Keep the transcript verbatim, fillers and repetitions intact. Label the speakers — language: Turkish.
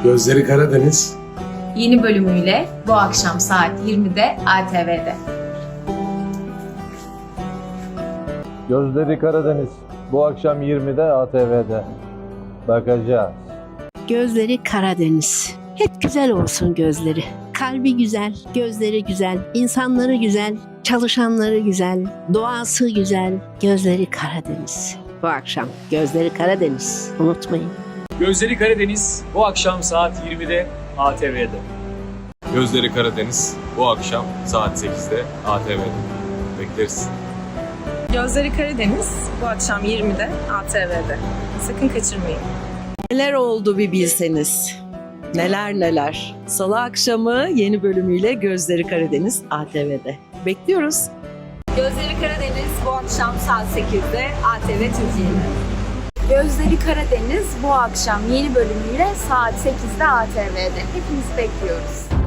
Speaker 1: Gözleri Karadeniz.
Speaker 2: Yeni bölümüyle bu akşam saat yirmide A T V'de.
Speaker 3: Gözleri Karadeniz. Bu akşam yirmide A T V'de. Bakacağız.
Speaker 4: Gözleri Karadeniz. Hep güzel olsun gözleri. Kalbi güzel, gözleri güzel, insanları güzel, çalışanları güzel, doğası güzel. Gözleri Karadeniz. Bu akşam Gözleri Karadeniz. Unutmayın.
Speaker 5: Gözleri Karadeniz bu akşam saat yirmide A T V'de.
Speaker 6: Gözleri Karadeniz bu akşam saat sekizde A T V'de. Bekleriz.
Speaker 7: Gözleri Karadeniz bu akşam yirmide A T V'de. Sakın kaçırmayın.
Speaker 8: Neler oldu bir bilseniz. Neler neler. Salı akşamı yeni bölümüyle Gözleri Karadeniz A T V'de. Bekliyoruz.
Speaker 9: Gözleri Karadeniz bu akşam saat sekizde A T V Türkiye'de.
Speaker 2: Gözleri Karadeniz bu akşam yeni bölümüyle saat sekizde A T V'de. Hepinizi bekliyoruz.